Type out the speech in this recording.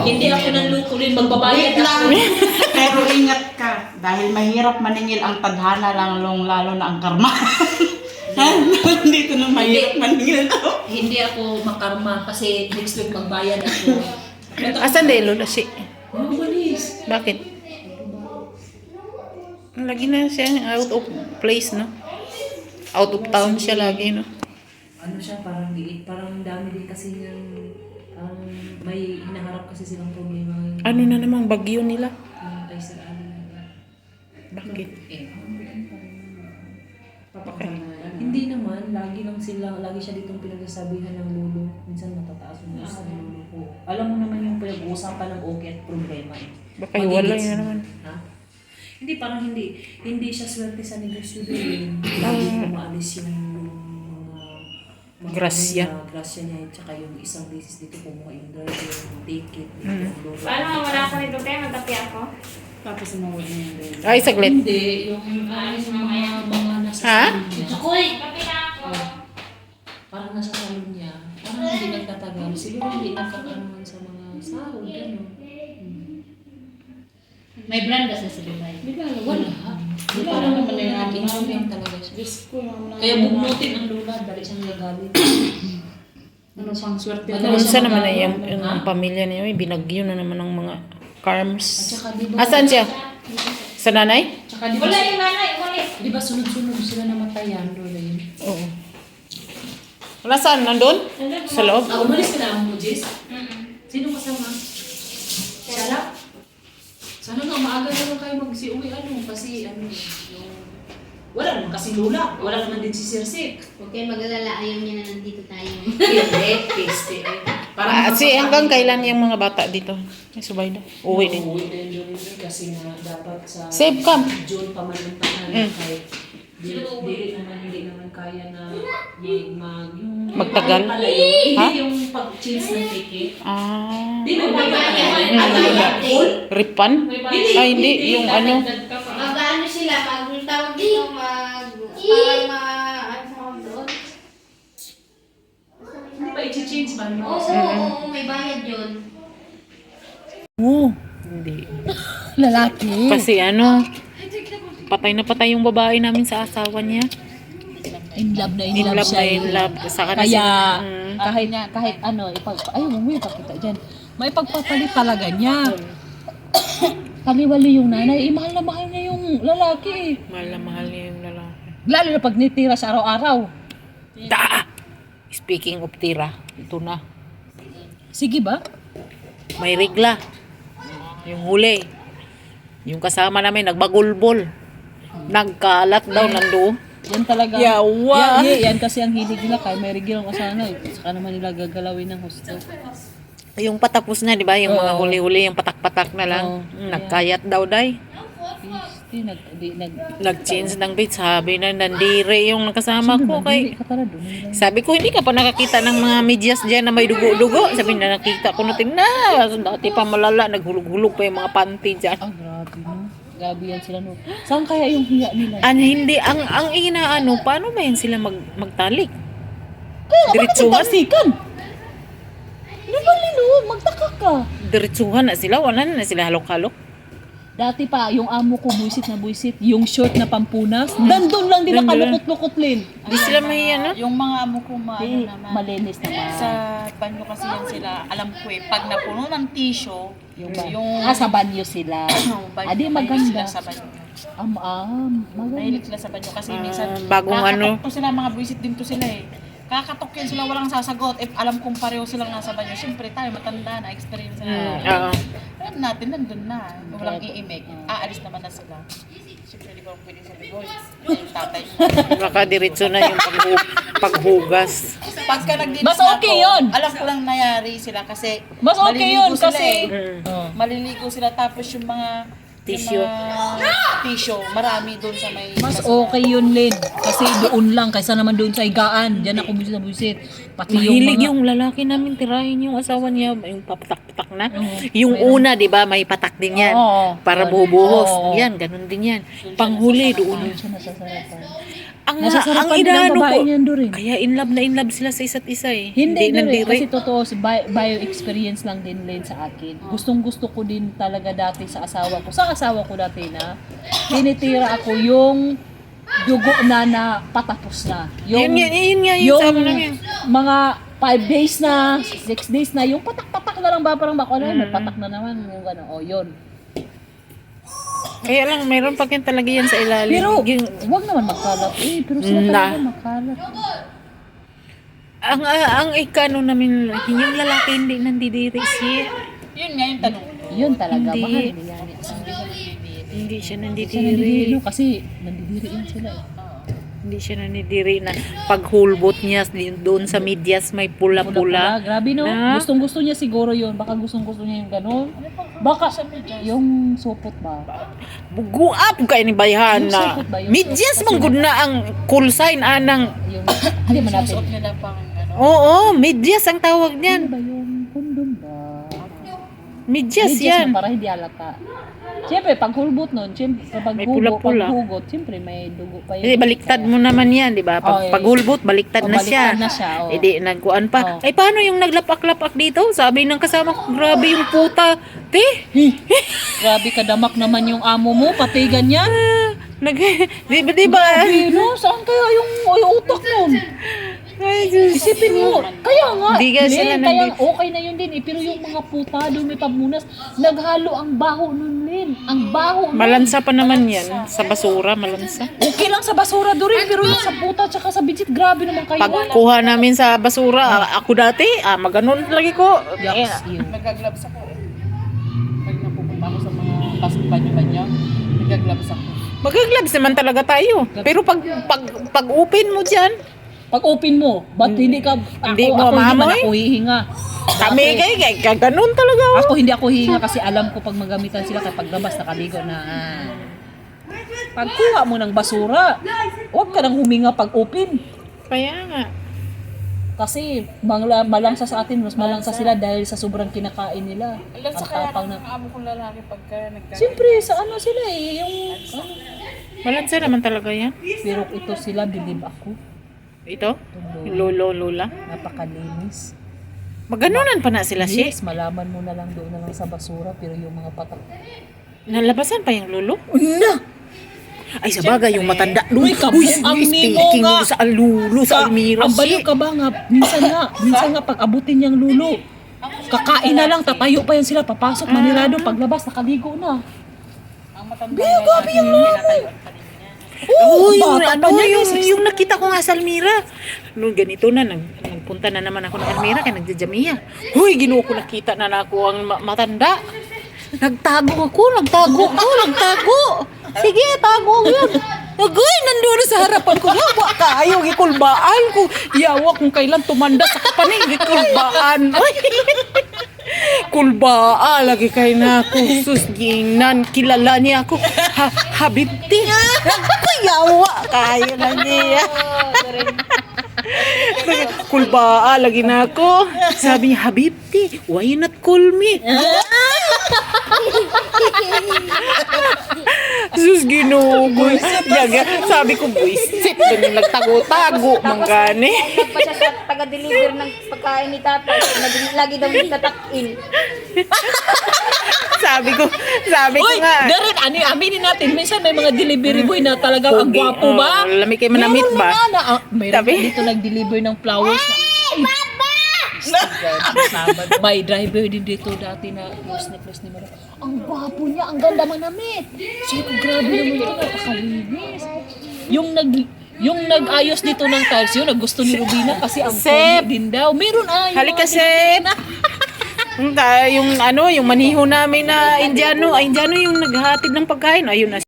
Hindi ako nanluko din, magbabayad Wait lang. ako. Pero ingat ka. Dahil mahirap maningil ang tadhana lang, lalo na ang karma. Dito na mahirap maningil ako. Hindi ako makarma kasi next week magbayad ako. Asan din, Lola? Si... Ano balis? Bakit? Lagi na siya out of place, no? Out of town siya lagi, no? Ano siya, parang liit. Parang dami din kasi ng may hinaharap kasi silang problema. Ano na namang bagyo nila? Kay Sir Ali. Bakit? Hindi naman, lagi siya ditong pinagsasabihan ng lolo. Minsan matataas yung gusto ng lolo ko. Alam mo naman yung pinag-uusapan ng okay at problema eh. Baka hiwalay na naman. Ha? Hindi, parang hindi siya swerte sa negosyo din. Lagi umaalis yung mga Grasya. Grasya niya, tsaka yung isang beses dito kumuha yung driver, yung ticket, yung lolo. Paano wala ko nito tayo? Magkapi ako? Tapos umawag niya yung driver. Ay, saglit. Hindi, yung mga nasa Ha? salon niya. Uy, kapi na ako. Parang nasa salon niya. Parang hindi nagtatagal. Siguro hindi nakakaroon sa mga sahod, gano'n. May brand kasi sa Dubai. Wala. Parang naman na yung talaga siya. Kaya bugnutin ang lula, dali siyang gagalit. Ano pang swerte? Unsa naman na yung pamilya niya, binagyo na naman ng mga karms. At saka di ba? Asan siya? Sa nanay? Tsaka di ba? Wala yung nanay, umalis. Di ba sunod-sunod sila namatayan, lola yun? Oo. Wala saan? Nandun? Sa loob? Umalis ka na mo, Jess? Sino kasama? Siya lang? Sana nga, maaga naman kayo mag-uwi, kasi yung... Wala naman kasi lula. Wala naman din si Sir Sik. Huwag kayo mag-alala, ayaw niya na nandito tayo. Hindi, peste eh. Hanggang kailan yung mga bata dito? Ay, subay na. Uwi din. Uwi din yun kasi nga dapat sa Save cam. June pa man ang tahanan kahit hindi naman kaya na yung Magtagal? pala yun. Ha? Hindi yung pag-change ng ticket. Ah. Di ba ba full? Ripan? Ay, hindi. Yung ano. Mag-ano sila, tawag dito, parang ano sa doon? Hindi ba i-change ba? Oo, may bayad yun. Oo. Hindi. Lalaki. Kasi ano, patay na patay yung babae namin sa asawa niya. In love na In love na in love. Sa kanila. Kaya kahit ano, ayaw mo yung pakita dyan. May pagpapalit talaga niya. Kaliwali yung nanay, mahal na mahal niya yung lalaki eh. Mahal na mahal niya yung lalaki. Lalo na pag nitira sa araw-araw. Speaking of tira, ito na. Sige ba? May regla. Yung huli. Yung kasama namin, nagbagulbol. Nagkalat daw nandoon. Yan talaga. Yawa. Yan kasi ang hilig nila kaya may regulang kasana. Saka naman nila gagalawin ng husto. Yung patapos na, di ba? Yung mga Oo. huli-huli, yung patak-patak na lang. Oo. Nagkayat daw, day. Nag-change ng date. Sabi na, nandire yung nakasama ko. Sabi ko, hindi ka pa nakakita ng mga medyas dyan na may dugo-dugo. Sabi na, nakita ko natin na. Dati pa malala, naghulog-hulog pa yung mga panty dyan. Ah, grabe no. Grabe yan sila no. Saan kaya yung hiya nila? Hindi, ang inaano, paano ba yan sila magtalik? Kaya bakit Diretsuhan? nagtasikan? Di ba Lino? Magtaka ka. Diretsuhan na sila, wala na sila halok-halok. Dati pa, yung amo ko buisit na buisit, yung short na pampunas, nandun lang din nakalukot-lukot Lin. Di sila mahiya, no? Yung mga amo ko naman. Malinis naman. Sa banyo kasi yan sila, alam ko pag napuno ng tissue, Sa banyo sila. banyo, Adi mahilig maganda. sila sa banyo. Maganda. Mahilig sila sa banyo kasi minsan, bagong ano. kakatok to sila, mga buisit din to sila eh. Kakatok yan sila, walang sasagot. If alam kong pareho silang nasa banyo, syempre tayo matanda na, experience na. Oo. Alam natin, nandun na. Walang iimik. Aalis naman na sila. Siyempre, di ba pwede sa ligoy? Yung tatay. Baka diretso na yung paghugas. Pagka nagdinis Mas na okay ako, yun. alam ko lang nangyari sila kasi Mas okay maliligo yun sila kasi maliligo sila tapos yung mga Tissue. tissue, marami doon sa may mas okay yun, Lin. Kasi doon lang, kaysa naman doon sa higaan. Diyan ako buisit na buisit. Pati Mahilig mga... yung lalaki namin tirahin yung asawa niya, yung papatak-patak na. Yung una, di ba, may patak din yan. Oo. Para bubuhos. Yan, ganun din yan. Panghuli doon. Siya nasasarapan. ang Nasasarapan din ang inaano babae ko. niyan doon. Kaya in love sila sa isa't isa eh. Hindi din nandiri. kasi totoo, bio experience lang din sa akin. Gustong-gusto ko din talaga dati sa asawa ko. Sa asawa ko dati na, tinitira ako yung dugo na patapos na. Yun nga, yung sama lang yun. mga 5 days na, 6 days na, yung patak-patak na lang ba, parang bako na, may patak na naman, yung gano'n, o yun. Kaya lang, mayroon pa rin talaga yan sa ilalim. Pero, Yung, wag naman magkalat pero sila talaga magkalat. ang ikano namin, yung lalaki hindi nandidiri siya. Yun nga yung tanong. Yun talaga, Hindi. mahal nila yan. Hindi siya Siya nandidiri. nandidiri, no? Kasi nandidiri yan sila. Hindi siya nandidiri na paghulbot niya doon sa medyas may pula-pula. Grabe no? Na? Gustong-gusto niya siguro yun. Baka gustong-gusto niya yung gano'n. Baka yung supot ba? Buguap kay ni bayhan Yung na. supot ba? Yung Medyas supot. man gud na ang call sign anang. Yung, hindi man natin. Suot nila pang ano. Oo, medyas ang tawag Ano niyan. ba yung kondom ba? Medyas Medyas yan. na para hindi halata. Siyempre, pag hulbot nun, siyempre, pag May hugot, pula-pula. pag hugot, siyempre may dugo pa yun. Eh, baliktad mo naman yan, di ba? Oh, eh. Paghulbot, baliktad Oh, na siya. baliktad na siya, oh. Eh, di, nagkuan pa. Oh. Ay, paano yung naglapak-lapak dito? Sabi ng kasama ko, grabe yung puta. Te, Grabe kadamak naman yung amo mo, pati ganyan. di ba? Grabe, no? Saan kaya yung utak nun? Ay, Diyos. Isipin mo, kaya nga, Di ka sila kaya nandito. okay na yun din eh. Pero yung mga puta doon may pamunas, naghalo ang baho nun din. Ang baho nun. Malansa pa naman yan. Sa basura, malansa. Okay lang sa basura doon rin, pero yung sa puta tsaka sa bitchit, grabe naman kayo. Pagkuha namin sa basura, ako dati, maganon lagi ko. Yucks, Eh, yun. Nagagloves ako. Pag napupunta ako sa mga banyo-banyo, nagagloves ako. Magagloves naman talaga tayo. Pero pag open mo dyan, Pag open mo, ba't hindi ka, Hindi ako, mo ako hindi man maamoy? ako hihinga. kami kay ganun talaga. Oh. Ako hindi ako hihinga kasi alam ko pag magamitan sila kapag labas nakaligo na. Pagkuha mo ng basura, huwag ka nang huminga pag open. Kaya nga. Kasi malangsa sa atin, mas malangsa sila dahil sa sobrang kinakain nila. Alam sa Ang kaya tapang ng amo kong lalaki pagka Siyempre, sa ano sila eh, yung ano, Malansa naman talaga yan. pero ito sila, believe ako, Ito? Yung Lolo, lola. napakalinis. Maganunan pa na sila siya. Yes, malaman mo na lang doon na lang sa basura, pero yung mga patak. Nalabasan pa yung lolo? Una! Ay, sa bagay, yung matanda. Uy, kabuang nimo speaking nga. sa lulo, sa Almira. Ang baliw ka ba nga, minsan nga pag abutin niyang lulo, kakain na lang, tatayo pa yan sila, papasok, manirado, paglabas, nakaligo na. ang matanda Biyo, gabi yung lalo. Oo, yung, bata ano, pa niya, yung nakita ko nga sa Almira. Nung ganito na, nagpunta na naman ako ng Almira, kaya nagjajamiya. Huy, ginuo ko nakita na ako ang matanda. Nagtago. Sige, tago yun. Agoy, nandun sa harapan ko. Yawa ka, ayaw, gikulbaan ko. Yawa kung kailan tumanda sa kapanig, gikulbaan. Ay, kulbaa, lagi kayo na ako. Sus, ginan, kilala niya ako. Habibti. Ako, yawa kayo na niya. Kulbaa, lagi na ako. Sabi niya, Habibti, why you not call me? Sus, ginugoy. Sabi ko, buisit. Ganun nagtago-tago. Manggani. Pa siya sa taga-deliver ng pagkain ni tatay. Lagi daw nagtatakin. Sabi ko Uy, nga. Darit, aminin natin, minsan may mga delivery boy na talagang ang Pogi, gwapo ba? lami kayo manamit Meron ba? na nga mayroon Sabi? dito nag-deliver ng flowers na, may driver din dito dati na close ni Mara. Ang gwapo niya, ang ganda manamit. Sino, grabe naman ito, napakalinis. Yung nag-ayos dito ng tiles yun, nagusto ni Rubina kasi ang Sep. pogi din daw. Meron Halika, Sep. Yung maniho namin na Indiano yung naghahatid ng pagkain. Ayun na